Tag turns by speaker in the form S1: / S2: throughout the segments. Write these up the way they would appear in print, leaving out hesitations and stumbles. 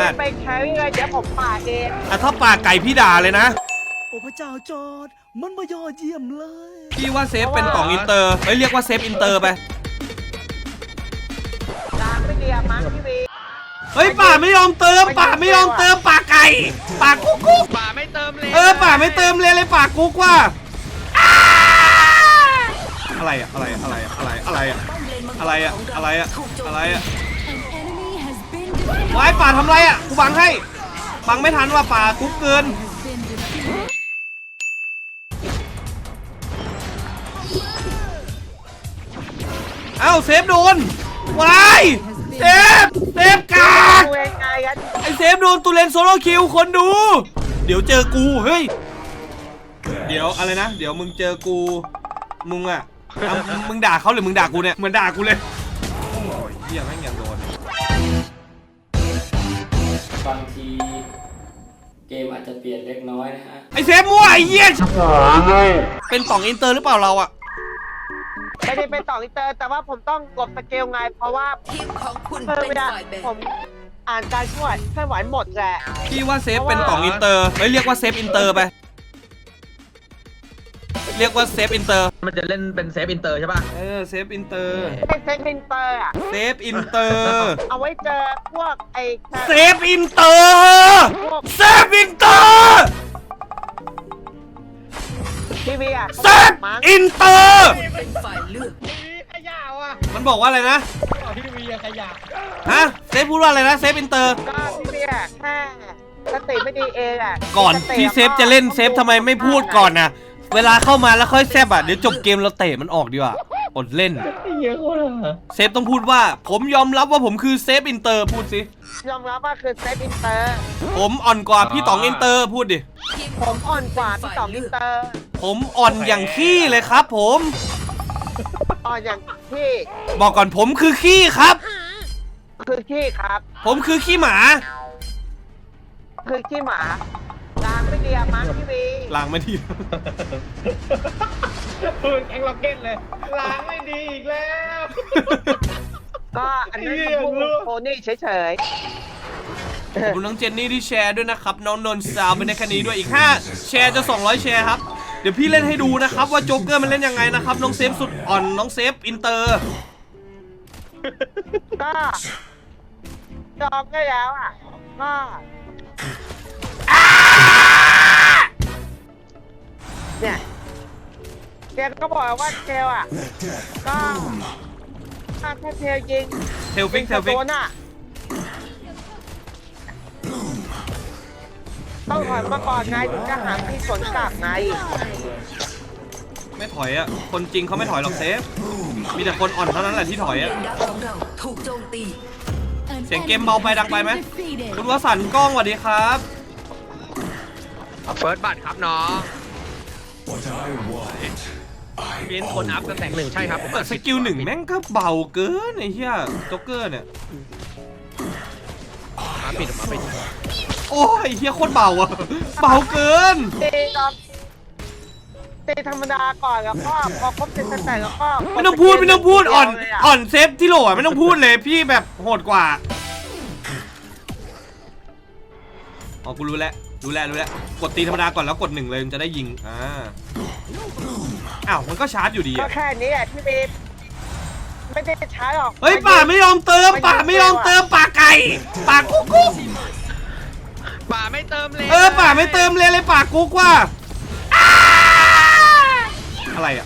S1: ด
S2: ไปแครี่เลยเดี๋ยวผมป่าเอง
S1: อ่ะถ้าป่าไก่พี่ด่าเลยนะ
S3: โอ้พระเจ้าจอร์ดมันมายอดเยี่ยมเลย
S1: พี่ว่าเซฟเป็นต่องอินเตอร์เรียกว่าเซฟอินเตอร์ไป
S2: ล้างไม่เดียมั้งพี่วี
S1: เฮ้ยป่าไม่ยอมเติมป่าไม่ยอมเติมป่าไก่ป่ากุ๊กกุ๊ก
S4: ป่าไม่เติมเลย
S1: ป่าไม่เติมเลยป่ากุ๊กว่าอะไรอะอะไรอะไรอะไรอะไรอะอะไรอะอะไรอะอะไรอะวายป่าทำไรอะกูบังให้บังไม่ทันว่าป่ากุ๊กเกินเอ้าเซฟโดนวายเซฟกากไอเซฟโดนตูเลนโซโล่คิวคนดูเดี๋ยวเจอกูเฮ้ยเดี๋ยวอะไรนะเดี๋ยวมึงเจอกูมึงอะมึงด่าเขาหรือมึงด่ากูเนี่ยเหมือนด่ากูเลยโอ้ยเหี้ยแม่งยังโดน
S5: บางทีเกมอาจจะเปลี่ยนเล็กน้อยนะฮะ
S1: ไอเซฟมั่วไอเหี้ยเป็นต่องอินเตอร์หรือเปล่าเราอะ
S2: ไม่ได้เป็นต่ออินเตอร์แต่ว่าผมต้องกดสเกลไงเพราะว่าทีมของคุณเป็นฝ่ายแบ่งผมอ่านการช่วยเคลื่อนไหวหมดแหละ
S1: พี่ว่าเซฟเป็นต่องอินเตอร์เรียกว่าเซฟอินเตอร์ไปเรียกว่าเซฟอินเตอร์
S4: มันจะเล่นเป็นเซฟอินเตอร์ใช่ป่ะ
S1: เซฟอินเตอร์
S2: เซฟอินเตอร์อะ
S1: เซฟอินเตอร์
S2: เอาไว้เจอพวกไอ้
S1: เซฟอินเตอร์เซฟอินเตอร์
S2: ทีวีอะ
S1: เซฟอินเตอร์
S5: เป็นฝ่ายเลือก
S4: ขยะว่ะ
S1: มันบอกว่าอะไรนะ
S4: ทีวีขยะ
S1: ฮะเซฟพูดว่าอะไรนะเซฟอินเตอร์
S2: ก็ทีวีอะแค่สติไม่ดีเองอะ
S1: ก่อนที่เซฟจะเล่นเซฟทำไมไม่พูดก่อนนะเวลาเข้ามาแล้วค่อยแซบเดี๋ยวจบเกมเราเตะมันออกดีกว่าอดเล่นเซฟต้องพูดว่าผมยอมรับว่าผมคือเซฟอินเตอร์พูดสิ
S2: ยอมรับว่าคือเซฟอินเตอร์
S1: ผมอ่อนกว่าพี่ต๋องอินเตอร์พูดดิ
S2: ผมอ่อนกว่าพี่ต๋องอินเตอร์
S1: ผมอ่อนอย่างขี้เลยครับผม
S2: อ่อนอย่างขี้
S1: บอกก่อนผมคือขี้ครับ
S2: คือขี้ครับ
S1: ผมคือขี้หมา
S2: คือขี้หมาล้างไม่ดีมั้งพี่วี
S1: ล้างไม่ดี
S4: ปืนแองล็อกเก็ตเลยล้างไม่ดีอีกแล้ว
S2: ก็อันนี้พวกโพนี่เฉย
S1: ๆขอบคุณน้องเจนนี่ที่แชร์ด้วยนะครับน้องนนท์ซาวเป็นในคันนี้ด้วยอีก5แชร์จะ200แชร์ครับเดี๋ยวพี่เล่นให้ดูนะครับว่าโจ๊กเกอร์มันเล่นยังไงนะครับน้องเซฟสุดอ่อนน้องเซฟอินเตอร์
S2: ก็จองได้แล้วอ่ะก็เนี่ยเจลก็บอกว่าเจลอ่ะก็ถ้าเทลยิง
S1: เทลฟิก
S2: ต้องถอยมาก่อนไงถึงจะหาที่สวนกลับไง
S1: ไม่ถอยอ่ะคนจริงเขาไม่ถอยหรอกเซฟมีแต่คนอ่อนเท่านั้นแหละที่ถอยอ่ะเสียงเกมเบาไปดังไปไหมคุณวสันต์กล้องสวัสดีครับ
S4: เฟิร์สบัตรครับน้องเป็นคนอัพกันแต่ง1ใช่ครับ
S1: สกิล1แม่งก็เบาเกินไอ้เหี้ยโจ๊กเกอร์เนี่ย
S4: มาปิดออกมาไป
S1: โอ้ยเหี้ยโคตรเบาอะเบาเกิน
S2: ตีธรรมดาก่อนแล้วก็พอครบเสร็จแต่แล้วก็
S1: ไม่ต้องพูดอ่อนเซฟที่โหลไม่ต้องพูดเลยพี่แบบโหดกว่าอ๋อกูรู้แล้วกดตีธรรมดาก่อนแล้วกด1เลยมันจะได้ยิงอ้าวมันก็ชาร์จอยู่ดี
S2: ก็แค่นี้แหละพี่เบฟไม่ได้ชาร์จหรอก
S1: เฮ้ยป่าไม่ยอมเติมป่าไก่ป่ากุ๊ก
S4: ป่าไม่เติมเลย
S1: ป่าไม่เติมเลยป่ากุ๊กว่าอะไรอะ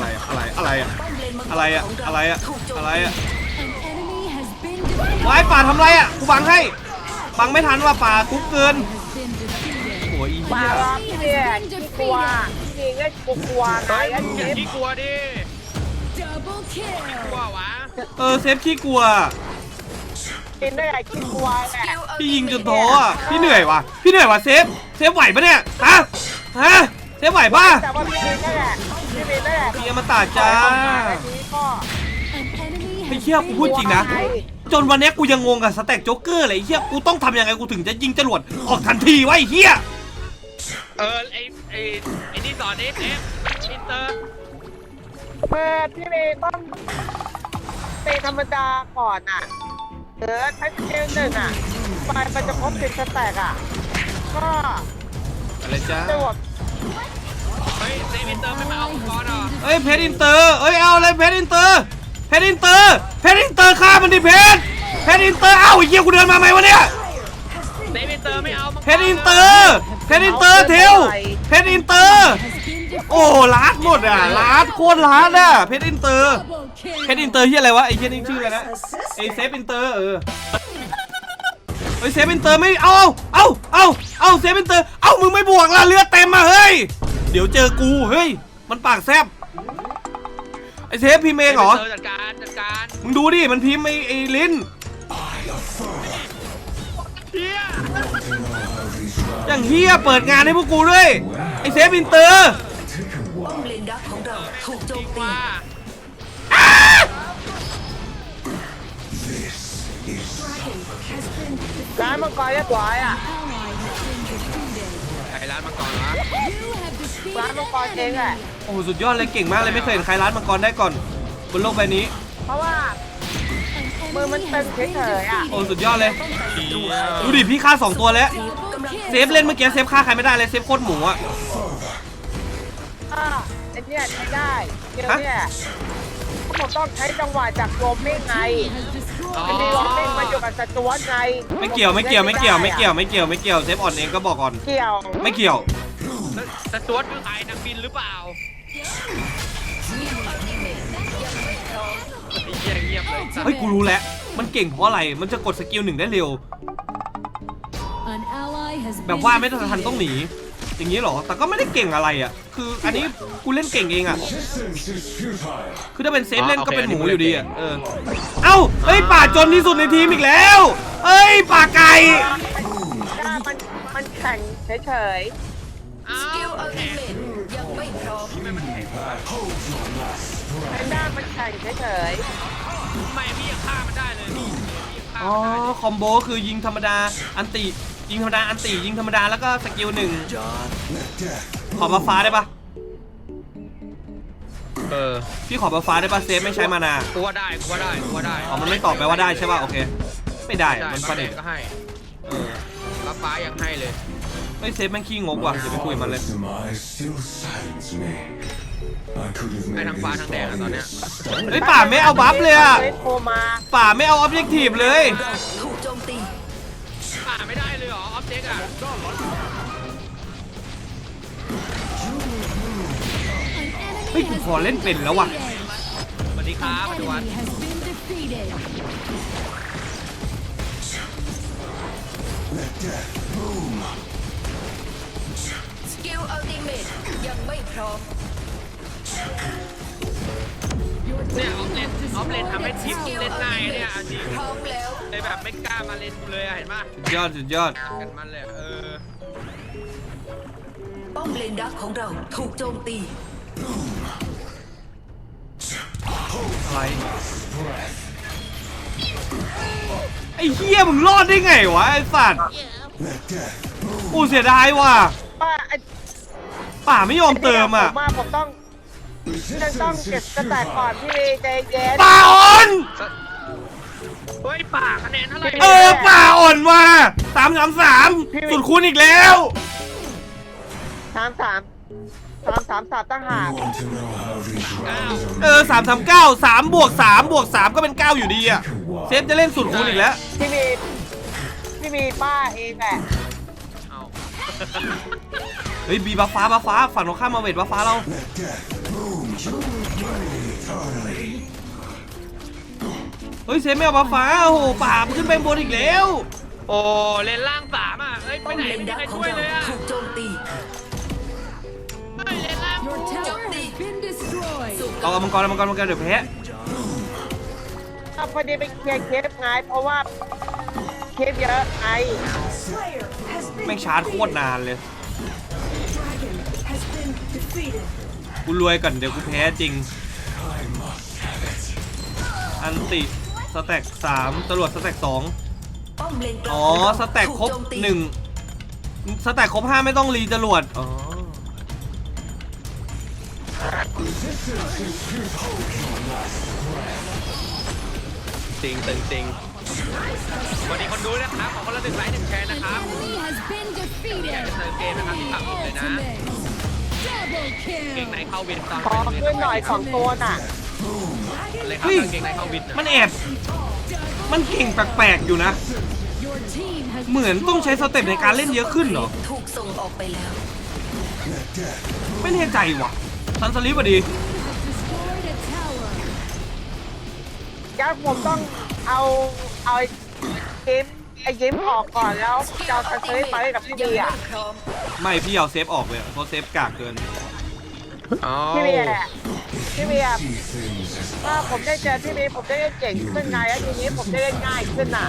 S1: วายป่าทำไรอะกูบังให้บังไม่ทันว่าป่ากุ๊กเกินโอ้ยอี
S2: ป่าพี่เนี่ยขี้กลัวพี่เนี่ยกลัวไง
S4: อย่าขี้กลัวดิกลัววะ
S1: เซฟขี้กลัว
S2: กินได้ไงขี้กลัวแหละ
S1: พี่ยิงจนท้ออ่ะพี่เหนื่อยว่ะเซฟไหวปะเนี่ยฮะเซฟไหวป่ะ
S2: แต่ว่าพี่ได้แหละ
S1: พี่มาตาจ้าไอ้เหี้ยกูพูดจริงนะจนวันนี้กูยังงงกับสแต็กโจ๊กเกอร์เลยไอ้เหี้ยกูต้องทำยังไงกูถึงจะยิงจรวดออกทันทีวะไอ้เหี้ย
S4: ไอ้นี่สอนเอฟอินเตอร์
S2: พี่เมย์ต้องตีธรรมดาก่อนอ่ะถ้าเกม1อ่ะไปมันจะครบ10สแต็กอ่ะก็
S1: อะไรจ้า
S2: จะหมด
S4: เฮ้ยเซมิเตอร์ไม่มาเอาก่อนเหรอ
S1: เอ้ยเพชรอินเตอร์เอ้ยเอาอะไรเพชรอินเตอร์เพชรอินเตอร์เพชรอินเตอร์ฆ่ามันดิเพชรเพชรอินเตอร์เอ้าไอ้เหี้ยกูเดินมาไหมวะเนี่ย
S4: เซมิเตอร์ไม่เอามังกร
S1: เพชรอินเตอร์เพชรอินเตอร์เทลเพชรอินเตอร์โอ้ลาดหมดอ่ะลาดโคตรลาดอ่ะเพชรอินเตอร์เพชรอินเตอร์ที่อะไรวะไอ้เหี้ยนี่ชื่ออะไรนะไอ้เซฟอินเตอร์เฮ้ยเซฟอินเตอร์ไม่เอาเซฟอินเตอร์เอามึงไม่บวกละเลือดเต็มมาเฮ้ยเดี๋ยวเจอกูเฮ้ยมันปากแซบไอ้เซฟพิมพ์เองเหรอ
S4: เซมิเตอร์จัดการ
S1: มึงดูดิมันพิมพ์ไอ้ลิ้น
S4: เฮีย
S1: อย่างเฮียเปิดงานให้พวกกูด้วยไอ้เซฟอินเตอร์
S6: ป้อมเลนดักของเราถูกโจมตี
S4: ว่า
S2: ร้านมังกรเรียบร้อยอ่ะ
S4: ใครร้านมังกรวะ
S2: ร้านมังกรเองแหละ
S1: โอ้โหสุดยอดเลยเก่งมากเลยไม่เคยเห็นใครร้านมังกรได้ก่อนบนโลกใบนี้
S2: เพราะว่ามือมันเป็นเฉยๆอ่ะ
S1: โอ้สุดยอดเลยดูดิพี่ฆ่า2ตัวแล้วเซฟเล่นเมื่อกี้เซฟฆ่าใครไม่ได้เลยเซฟโคตรหมูอะ
S2: ไอ้เนี่ยใช้ได้เดี๋ยวเนี่ยผมต้องใช้จังหวะจากโรมมิ่งไงไอ้นี่โรมมิ่งมันอยู่กับสจวตไง
S1: ไม่เกี่ยวเซฟอ่อนเองก็บอกก่อน
S2: เกี่ยว
S1: ไม่เกี่ยว
S4: แต่ตัวคือใครนักบินหรือเปล่าเงียบเลย
S1: เฮ้ยกูรู้แล้วมันเก่งเพราะอะไรมันจะกดสกิล1ได้เร็วแบบว่าไม่ทันต้องหนีอย่างนี้เหรอแต่ก็ไม่ได้เก่งอะไรอ่ะคืออันนี้กูเล่นเก่งเองอ่ะคือถ้าเป็นเซฟเล่นก็เป็นหมูอยู่ดีอ่ะเอ้าเฮ้ยป่าจนที่สุดในทีมอีกแล้วเอ้ยป่าไก่
S2: มันแข่งเฉย
S4: อ้า
S6: สกิล
S4: ว
S6: อัลติเมทยังไม่พร้อม
S2: ๆไอ้ด้ามันแข่งเฉย
S4: ทำไมพี่ยังฆ่ามันได้เลยพี่ฆ่า
S1: อ๋อ
S4: มันได้
S1: คอมโบคือยิงธรรมดาอันติยิงธรรมดาอันติยิงธรรมดาแล้วก็สกิล1ขอบัฟฟ้าได้ปะพี่ขอบัฟฟ้าได้ปะเซฟไม่ใช้มานา
S4: กูว่าได้
S1: อ๋อมันไม่ตอบไปว่าได้ใช่ป่ะโอเคไม่ได้มัน
S4: ป
S1: ประ
S4: เด็
S1: เด็น
S4: ก็ให้รับฟ้ายังให้เลย
S1: ไม่เซฟแม่งขี้งกว่ะเดี๋ยวไปคุยกับมันเลย
S4: ให้ทั้งฟ้าทั้งแดงอะตอนเนี้ย
S1: เฮ้ยป่าไม่เอาบัฟเลยอะ
S2: ๆเล่นโทรมา
S1: ป่าไม่เอาออบเจกตีฟเลย
S6: ถูกโจมตี
S4: ป่าไม่ได้เลยเหรอออฟเจกต์อะ
S1: เฮ้ยกูพอเล่นเป็นแล้วว่ะ
S4: สวัสดีครับปัจจุบัน
S6: สกิลอัลติเมทยังไม่พร้อม
S4: เนี่ยออฟเลนทำให้ทีมเล่นง่ายเนี่ยจริง
S6: พร้อมแล้ว
S4: เลยแบบไม่กล้ามาเล่นกูเลยอะเห็นป่ะ
S1: สุดยอด
S4: กันมันเลยอะ
S6: ป้อมเลนดักของเราถูกโจมตี
S1: อะไรไอ้เหี้ยมึงรอดได้ไงวะไอ้สัตว์อู้เสียดายว่ะ
S2: ป้าไอ้
S1: ป่าไม่ยอมเติมอ่ะ
S2: ผมต้องเก็บสแต็กก่อนพี่ใจเย็น
S1: ป่าอ่อน
S4: เฮ้ยป่าคะแนนเท่าไหร่
S1: ป่าอ่อนว่ะ333สุดคูณอีกแล้ว
S2: 3 ตั้งหาก
S1: 339 3 บวก 3 บวก 3 ก็เป็น 9 อยู่ดีอ่ะเซฟจะเล่นสุดคูณอีกแล้ว
S2: ที่มีป้าเองแหละ
S4: เอา
S1: เฮ้ยบีบัฟฟ้าฝั่งตรงข้ามมาเวทบัฟฟ้าเราเฮ้ยเซฟไม่เอาบัฟฟ้าโอ้โหป่ามันขึ้นไปบนอีกแล้ว
S4: โอ้เล่นล่างสามอ่ะเอ้ยไป
S6: ป้อม
S4: ไหน
S6: เลน
S4: ไม่มี
S6: ดัก
S4: ใคร
S6: ของ
S4: ช่วย
S6: เรา
S4: เลยอ่ะ
S6: ถูกโจมตี
S4: เฮ้ยเล่นล่าง
S6: โจมตีสู่
S1: เอามังกรเดี๋ยวแพ้
S2: พอดีไปเคลียร์เคสไงเพราะว่าเคสเยอะไง
S1: แม่งชาร์จโคตรนานเลยกูรวยก่อนเดี๋ยวกูแพ้จริงอันติสแต็ก3ตำรวจสแต็ก2
S6: ป้อมเลนกลาง
S1: อ๋อ
S6: ของเรา
S1: สแต็กครบ
S6: ถูโจมตี
S1: 1สแต็กครบ5ไม่ต้องรีจรวดอ๋อ
S4: จริงสวัสดีคนดูนะครับขอคนละ1 ไลค์ 1 แชร์นะครับ
S7: Enemy has been
S4: เติ
S7: defeated.
S4: มเกมนะครับที่ฝากผมเลยนะ
S7: Ultimate. Double
S4: เก่ง
S7: kill.
S4: ในเข้าวินตอน
S2: ขอขึ้นหน่อย2 ตัวน่ะ
S4: เลยครับเก่งในเข้าวิน
S1: มันแอบมันเก่งแปลกๆอยู่นะ
S7: Your team has
S1: เหมือนต้องใช้สเต็ปในการเล่นเยอะขึ้นเหรอ
S6: ถูกส่งออกไปแล้ว
S1: ไม่แน่ใจว่ะซันสลิปอะดี
S7: destroyed a tower.
S2: งั้นผมต้องเอาไอ้เกมออกก่อนแล้วจะเอาซันเซอร์ไปกับพี่เบียร์
S6: พร้อม
S1: ไม่พี่เอาเซฟออกเลยเพราะเซฟกากเกิน
S4: อ๋อ
S2: พี่เบียร์ถ้าผมได้เจอพี่เบียร์ผมจะได้เก่งขึ้นไงแล้วทีนี้ผมจะได้ง่ายขึ้นน่ะ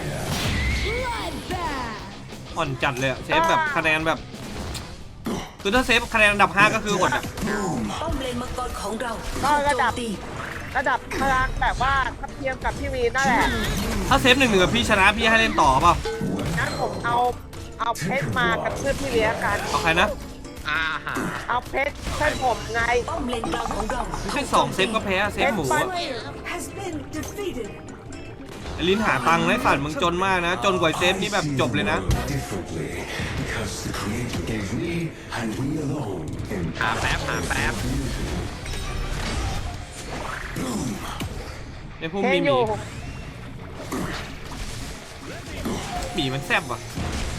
S7: Bloodbath.
S1: อ่อนจัดเลยอะเซฟแบบคะแนนแบบ คือถ้าเซฟคะแนนอันดับ 5 ก็คืออดอะ
S6: ป้อมเลนมังกรของเรา
S2: ก็
S6: ถูก
S2: ระ
S6: โจ
S2: ดั
S6: ม
S2: บ
S6: ตี
S2: ระดับพลังแบบว่าทัดเทียมกับพี่วีนั่นแหละ
S1: ถ้าเซฟ1-1กับพี่ชนะพี่ให้เล่นต่อเปล่า
S2: งั้นผมเอาเพชรมากับเพื่อนพี่เลี้ยงกัน
S1: เอาใครนะ
S4: อาหาร
S2: เอาเพชรเพื่อนผมไง
S6: ป้อมเลนกลางของเรา
S1: ไม่ใช่2เซฟก็แพ้อะเซฟหมูอะ
S6: has been defeated
S1: ไอ้ลิ้นหาตังค์นะไอ้สัตว์มึงจนมากนะ จนกว่าเซฟนี่แบบจบเลยนะ
S8: differently because the Creator gave me and we alone
S4: หาแป๊บ
S1: ในพวก
S2: เท
S1: มี
S2: น
S1: ห
S2: อ
S1: มี
S2: ยู่
S1: หมีมันแซ่บว่ะ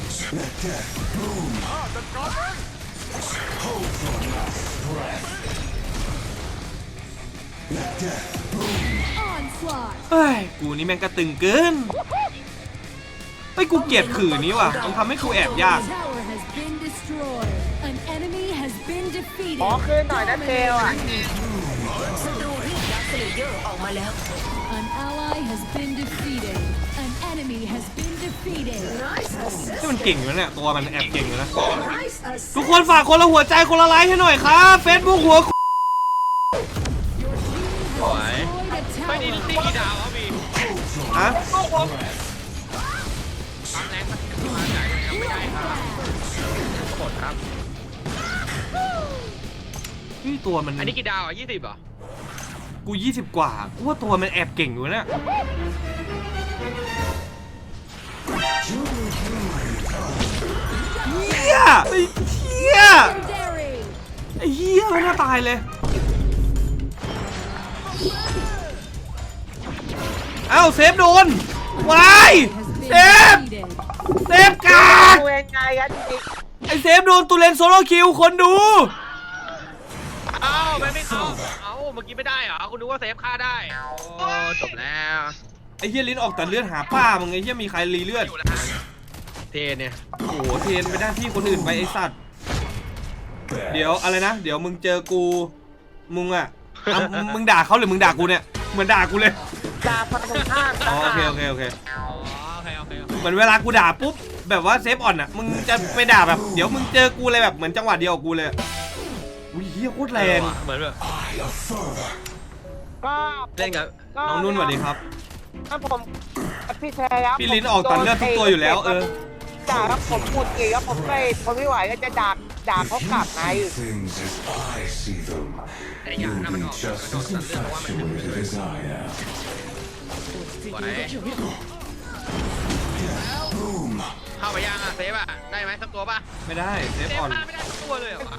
S7: Onslaught.
S1: เฮ้ย กูนี่แม่งกระตึงเกินเฮ้ย กูเกลียดขื่อนี้ว่ะ มันทำให้กูแอบยาก
S7: Tower has been destroyed. An enemy has been defeated.
S2: ขอคืนหน่อยนะเทลอ่ะ
S6: ศัตรูเรียกดักสเลเยอร์ออกมาแล้ว
S7: An ally has been defeated. An enemy has been defeated.
S1: ที่มันเก่งอยู่นะเนี่ยตัวมันแอบเก่งอยู่นะ ทุกคนฝากคนละหัวใจคนละไลค์ให้หน่อยครับเฟซบุ๊กหัว
S4: สวย
S7: Destroyed a
S4: ไม่ดี
S7: tower.
S4: ตีกี่ดาวอ่ะพี่
S1: ฮะ
S4: ความแรงมันมาจากยังไม่ได้ครับกดครับ
S1: นี่ตัวมัน
S4: อันนี้กี่ดาวอ่ะ20เหรอ
S1: กู20 กว่ากูว่าตัวมันแอบเก่งอยู่นะเฮียไอ้เฮีย
S7: Legendary.
S1: ไอ้เฮียไม่น่าตายเลย เอ้าเซฟโดนวายเซ
S7: Has
S1: ฟ
S7: been defeated.
S1: เซฟกาก
S2: ดูยังไงกันจริง
S1: ไอเซฟโดนตูเลนโซโลคิวคนดู
S4: เอ้าไม่เข้าเอ้าเมื่อกี้ไม่ได้เหรอคุณนึกว่าเซฟฆ่าได้โอ้จบแล้ว
S1: ไอเฮียลิ้นออกแต่เลือดหาป้ามึงไอเฮียมีใครรีเลือด
S4: อยู่แล้วฮะเทเนี่ย
S1: โอ้โหเทรนไปหน้าที่คนอื่นไปไอสัตว์ เดี๋ยวอะไรนะ เดี๋ยวมึงเจอกูมึงอ่ะมึงด่าเขาหรือมึงด่ากูเนี่ยเหมือนด่ากูเลย
S2: ๆดาพันตรงข้าม
S1: อ๋อโอเคโอเคโอเค
S4: อ๋อโอเคโอเค
S1: เหมือนเวลากูด่าปุ๊บแบบว่าเซฟอ่อนอ่ะมึงจะไปด่าแบบเดี๋ยวมึงเจอกูเลยแบบเหมือนจังหวะเดียวกับกูเลยอุ้ยเฮียโคตรแรง
S4: เหมือนแบบ
S2: ก็
S4: เล่นกับ
S1: น้องนุ่นสวัสดีครับ
S2: ถ้าผมพี่แทครับ
S1: พี่ลิ้นออกตัดเลือดทุกตัวอยู่แล้ว
S2: ด่าครับผมพูดเองครับผมไม่ไหวก็จะด่าเขากลับไง
S8: things as I see them.
S4: แต่อย่า
S8: You
S4: นะมันอ
S8: be
S4: อก
S8: just
S4: มันออก
S8: as
S4: ตัดเลือดเพราะว่ามันเป็น
S8: infatuated as I am.
S4: สวยเข้าไปยังอ่ะเซฟอ่ะได้ไหมสักตัวป่ะ
S1: ไม่ได้เซฟ
S4: เซฟ
S1: อ่อน
S4: ฆ่าไม่ได้สักตัวเลยเหรอ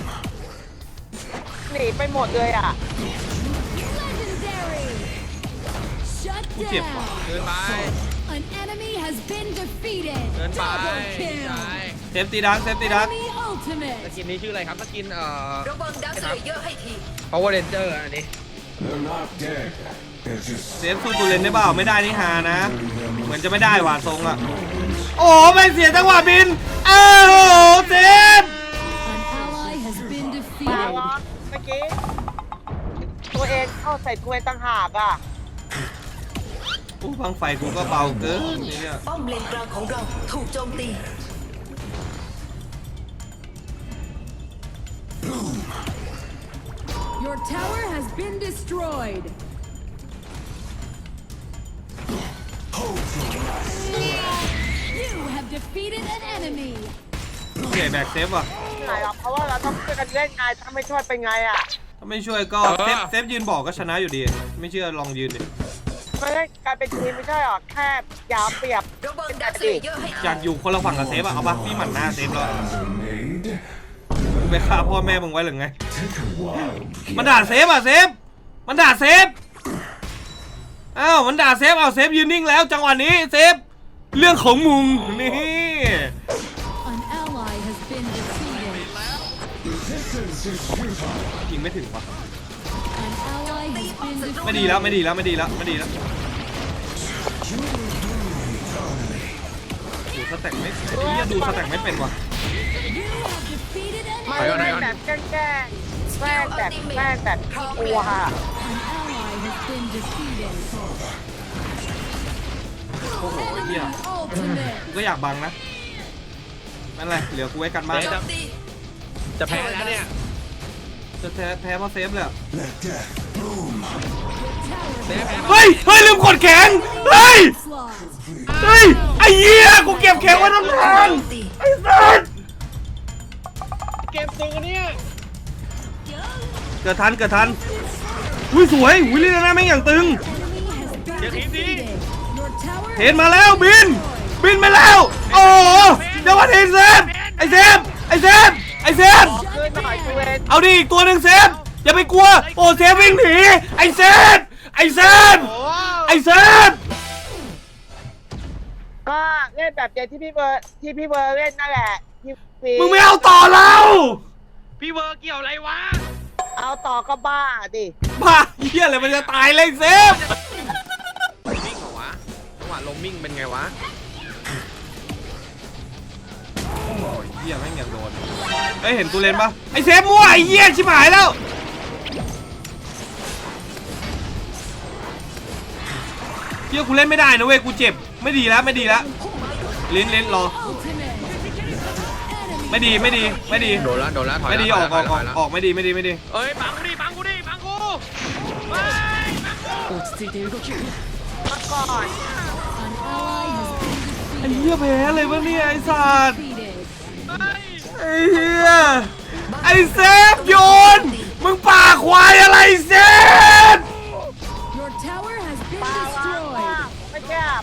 S2: หนีไปหมดเลยอ่ะ
S7: Legendary. Shut
S1: Ui, chẹp
S7: down.
S4: เกินไป
S7: An enemy has been defeated.
S4: เกินไป
S7: Double
S4: ใช่
S7: kill.
S1: เซฟตีดักเซฟตีดัก
S7: Enemy
S4: ส
S7: ultimate.
S4: กินนี้ชื่ออะไรครับสกิน
S6: ระวังดักสเลเยอร์ให้ที
S4: Power Ranger อันนี้
S8: They're not dead. They're just
S1: เซฟสู้ตูเลนได้เปล่าไม่ได้นี่ฮานะ เหมือนจะไม่ได้ว่ะทรงอ่ะโอ้ไม่เสียจังหวะบินโอ้โหเซฟ
S7: An ally has been
S2: มา
S7: defeated.
S2: วะเมื่อกี้ตัวเองเข้าใส่ตัวเองต่างหากอ่ะ
S1: อู้ฟังไฟกูก็เบาเกินเนี่ย
S6: ป้อมเลนกลางของเราถูกโจมตี
S7: Your tower has been destroyed. You have defeated an enemy.
S1: โอเคแบกเซฟว่ะ
S2: ไงอ่ะเพราะว่าเราต้องช่วยกันเล่นไงถ้าไม่ช่วยเป็นไงอ่ะ
S1: ถ้าไม่ช่วยก็เซฟยืนบอกก็ชนะอยู่ดี ไม่เชื่อลองยืนดิ
S2: ไม่ได้กลายเป็นทีมไม่ใช่หรอแค่ยาวเปรียบ
S6: ระวังดักสเลเยอร์ให้
S1: อยากอยู่คนละฝั่งกับเซฟอะเอาปะพี่หมั่นหน้าเซฟแล้ว
S8: Plans are made.
S1: มึงไปฆ่าพ่อแม่มึงไว้หรือไง
S8: Take a wild
S1: มันด่าเซฟอะเซฟมันด่าเซฟอ้าวมันด่าเซฟเอาเซฟยืนนิ่งแล้วจังหวะนี้เซฟเรื่องของมึงนี่
S7: An ally has been defeated.
S8: resistance is futile.
S1: ยิงไม่ถึงวะ
S7: An ally has been defeated.
S1: ไม่ดีแล้วไม่ดีแล้วไม่ดีแล้วไม่ดีแล้วดูสแต็กไม่ไอ้เหี้ยดูสแต็กไม่เป็นวะ
S7: You have defeated an
S2: ไม่
S7: enemy.
S2: ได้แบบแกล้งแบบขี้กลัวค่ะ
S7: An ally has been defeated.
S1: โอ้โหไอ้เหี้ย
S7: Ultimate.
S1: กูก็อยากบังนะนั่นแหละเหลือกูไว้กันบ้าน
S6: โจมตี
S4: จะแพ้แล้วเนี่ย
S1: จะแพ้เพราะเซฟเลยอะ
S8: Let death bloom.
S1: เฮ้ยเฮ้ยลืมกดแข็งเฮ้ย
S7: Slot.
S1: เฮ้ยไอ้เหี้ยกูเก็บแข็งไว้ตั้งนาน
S6: โจมตี
S1: ไอ้สัส
S4: เกมตึงอันเนี้ย
S1: เกิดทันอุ้ยสวยอุ้ยลีน่าแม่งอย่างตึง
S7: Enemy has been defeated. Your tower
S1: เห็นมาแล้วบินมาแล้ว โอ้โหเดี๋ยวมาเห็นเซฟไอ้เซฟไอ้เซฟไอ้เซฟ
S2: เกินหน่อยกูเอง
S1: เอาดิอีกตัวหนึ่งเซฟอย่าไปกลัวโอ้เซฟวิ่งหนีไอ้เซฟไอ้เซฟ
S4: โอ้
S1: ไอ้เซฟ
S2: ก็เล่นแบบเดียวที่พี่เบอร์เล่นนั่นแหละที่ฟี
S1: มึงไม่เอาต่อแล้ว
S4: พี่เวอร์เกี่ยวอะไรวะ
S2: เอาต่อก็บ้าดิ
S1: บ้าเหี้ยอะไรมันจะตายเลยเซฟ
S4: มิ่งเหรอวะจังหวะลมมิ่งเป็นไงวะ
S1: โอ้ยเหี้ยแม่งอย่างโดนเอ้ยเห็นตูเลนปะไอ้เซฟมั่วไอ้เหี้ยชิบหายแล้วเหี้ยกูเล่นไม่ได้นะเว้ยกูเจ็บไม่ดีแล้วลิ้นรอ
S7: ultimate. Enemy
S1: ไม่ดี
S4: โดนแล้วถอย
S1: ไม่ดี
S4: แล้ว
S1: ออก
S4: ถยแล้ว
S1: ไม่ดี
S4: เอ้ยบังกูดิบังกูเฮ้ยบังกู
S2: มาก่อน
S7: An ally has been
S1: ไอ้
S7: defeated.
S1: เหี้ยแพ้เลยวะเนี่ยไอ้สัตว์
S7: Defeated.
S4: เฮ้ย
S1: ไอ้เหี้ยไอ้เซฟโยนมึงป่าควายอะไรเซฟ
S7: Your tower has been
S2: ปาว่า
S7: destroyed.
S2: ไม่แคบ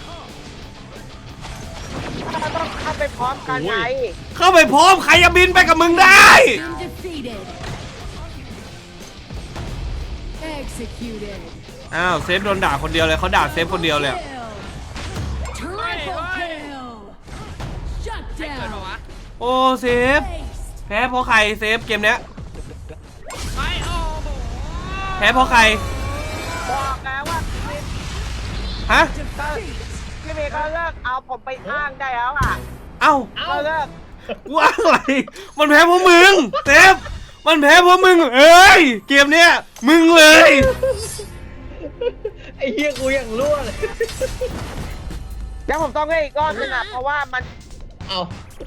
S2: เราต้องเข้าไปพร้อมกันไง
S1: เข้าไปพร้อมใครจะบินไปกับมึงได้
S7: Been defeated. Executed.
S1: อ้าวเซฟโดนด่าคนเดียวเลยเขาด่าเซฟคนเดียวเลย
S7: Kill. Triple kill. Shut
S4: เกิดปะ
S7: down.
S4: วะ
S1: โอ้เซฟ
S7: Aced.
S1: แพ้เพราะใครเซฟเกมเนี้ย
S4: ไปโอ้โห
S1: แพ้เพราะใคร
S2: บอกแล้วว่า
S1: ฮะ
S2: พี่เมย์ก็เลิกเอาผมไปอ้างได้แล้วอ่ะ
S1: เอ้า
S2: ก็เลิก
S1: ว่าอะไรมันแพ้เพราะมึงเซฟมันแพ้เพราะมึงเอ้ยเกมเนี้ยมึงเลย
S4: ไอ้เหี้ยกูยังรั่วเลย
S2: แล้วผมต้องเล่นอีกรอบนึงอ่ะเพราะว่ามัน
S4: เอา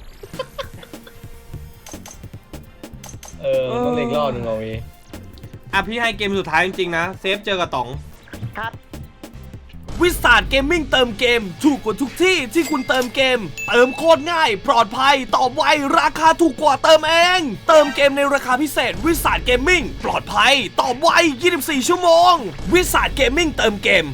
S4: ต้องเล็กรอบนึงเอาวี
S1: อ่ะพี่ให้เกมสุดท้ายจริงๆนะเซฟเจอกับต๋อง
S2: ครับ
S1: วิสาดเกมมิ่งเติมเกมถูกกว่าทุกที่ที่คุณเติมเกม เติมโคตรง่าย ปลอดภัยตอบไวราคาถูกกว่าเติมเอง เติมเกมในราคาพิเศษวิสาดเกมมิ่งปลอดภัยตอบไว 24 ชั่วโมง วิสาดเกมมิ่งเติมเกม